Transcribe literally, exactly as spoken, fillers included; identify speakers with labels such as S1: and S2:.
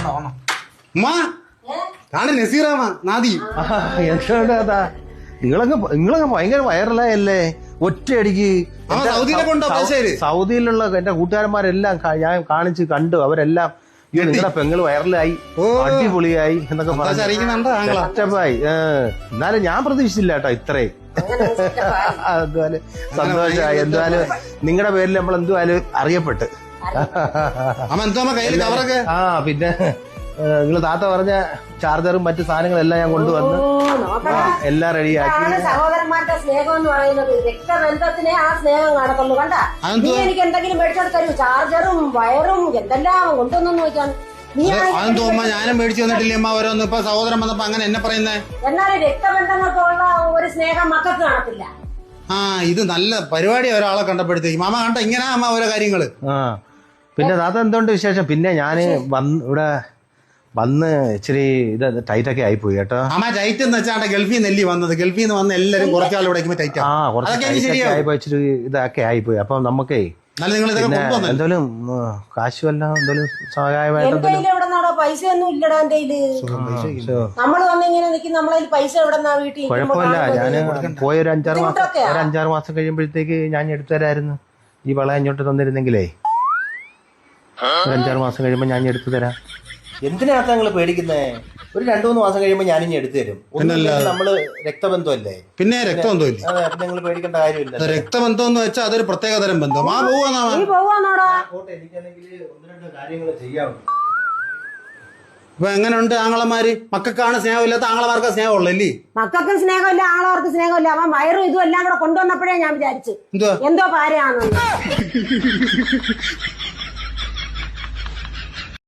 S1: നസീറാമ നാദി
S2: എന്താ നിങ്ങളങ്ങ് നിങ്ങളങ്ങ് ഭയങ്കര വൈറലായല്ലേ ഒറ്റയടിക്ക്. സൗദിയിലുള്ള എന്റെ കൂട്ടുകാരന്മാരെല്ലാം ഞാൻ കാണിച്ച് കണ്ടു. അവരെല്ലാം നിങ്ങളുടെ പെങ്ങള് വൈറലായി, അടിപൊളിയായി എന്നൊക്കെ പറഞ്ഞായി. എന്നാലും ഞാൻ പ്രതീക്ഷിച്ചില്ല കേട്ടോ ഇത്രയും. അതുപോലെ സന്തോഷമായി. എന്തായാലും നിങ്ങളുടെ പേരിൽ നമ്മൾ എന്തുവായാലും അറിയപ്പെട്ട്. ആ പിന്നെ നിങ്ങള് താത്ത പറഞ്ഞ ചാർജറും മറ്റു സാധനങ്ങളെല്ലാം ഞാൻ കൊണ്ടുവന്ന് എല്ലാം റെഡിയാക്കി.
S3: സഹോദരന്മാരുടെ സ്നേഹം എന്ന് പറയുന്നത് രക്തബന്ധത്തിനെ ആ സ്നേഹം കാണത്തുള്ളൂ. കണ്ട നീ എനിക്ക് എന്തെങ്കിലും മേടിച്ചോട് തരൂ, ചാർജറും വയറും എന്തെല്ലാം കൊണ്ടുവന്നു നോക്കാൻ.
S1: ഞാനും മേടിച്ചു തന്നിട്ടില്ലേ അമ്മ ഓരോന്ന്. ഇപ്പൊ സഹോദരൻ വന്നപ്പോ അങ്ങനെ എന്നെ പറയുന്നേ.
S3: എന്നാലും രക്തബന്ധങ്ങൾക്കുള്ള ഒരു സ്നേഹം മക്കൾക്ക് കാണത്തില്ല.
S1: ആ ഇത് നല്ല പരിപാടി. ഒരാളെ കണ്ടപ്പോഴത്തേക്ക് മാമ കണ്ട ഇങ്ങനെ അമ്മ ഓരോ കാര്യങ്ങള്.
S2: ആ പിന്നെ താത്ത എന്തുകൊണ്ട് വിശേഷം? പിന്നെ ഞാന് വന്ന് ഇവിടെ വന്ന് ഇച്ചിരി ഇത് ടൈറ്റൊക്കെ ആയിപ്പോയി കേട്ടോ.
S1: അമ്മ ടൈറ്റ് എന്ന് വെച്ചാൽ ഗൾഫിൽ നെല്ലി വന്നത്. ഗൾഫിൽ നിന്ന് വന്ന് എല്ലാരും കുറച്ചാൾ ഇവിടെ ടൈറ്റ്
S2: ആ കുറച്ച് ആയിപ്പോയി, ഇച്ചിരി ഇതൊക്കെ ആയിപ്പോയി. അപ്പൊ നമുക്കേ എന്തായാലും കാശ് വല്ല എന്തായാലും സഹായമായിട്ട്
S3: പൈസ ഒന്നും ഇല്ലടാ എന്റെ കയ്യില്. നമ്മള് വന്നിങ്ങനെ നിൽക്കും, നമ്മളതിൽ പൈസ എവിടെന്നാ വീട്ടിൽ.
S2: കുഴപ്പമില്ല, ഞാന് പോയ ഒരു അഞ്ചാറ് മാസം ഒരു അഞ്ചാറ് മാസം കഴിയുമ്പോഴത്തേക്ക് ഞാൻ എടുത്തു തരായിരുന്നു. ഈ വള ഇങ്ങോട്ട് തന്നിരുന്നെങ്കിലേ ഒരു അഞ്ചാറ് മാസം കഴിയുമ്പോ ഞാൻ എടുത്തു തരാം. എന്തിനാത്ത നിങ്ങള് പേടിക്കുന്നേ? ഒരു രണ്ടു മൂന്ന് മാസം കഴിയുമ്പോ ഞാനിനി എടുത്തു തരും. നമ്മള് രക്തബന്ധമല്ലേ.
S1: പിന്നെ രക്തബന്ധമില്ലേ?
S2: അതെ, നിങ്ങൾ പേടിക്കേണ്ട കാര്യമില്ല.
S1: രക്തബന്ധം എന്ന് വെച്ചാൽ അതൊരു പ്രത്യേക തരം ബന്ധം. ആ
S2: എനിക്കാണെങ്കിൽ ഒന്ന് രണ്ട് കാര്യങ്ങൾ ചെയ്യാറുണ്ട്.
S1: ഇപ്പൊ എങ്ങനെയുണ്ട് ആങ്ങളമാര്? മക്കൾക്കാണ് സ്നേഹമില്ലാത്ത, ആങ്ങളമാർക്ക് സ്നേഹമുള്ളല്ലേ?
S3: മക്കൾക്കും സ്നേഹമില്ല, ആങ്ങളവർക്ക് സ്നേഹമില്ല. അവൻ വയറും ഇതും എല്ലാം കൂടെ കൊണ്ടുവന്നപ്പോഴേ ഞാൻ വിചാരിച്ചു എന്തോ പാരയാണെന്ന്.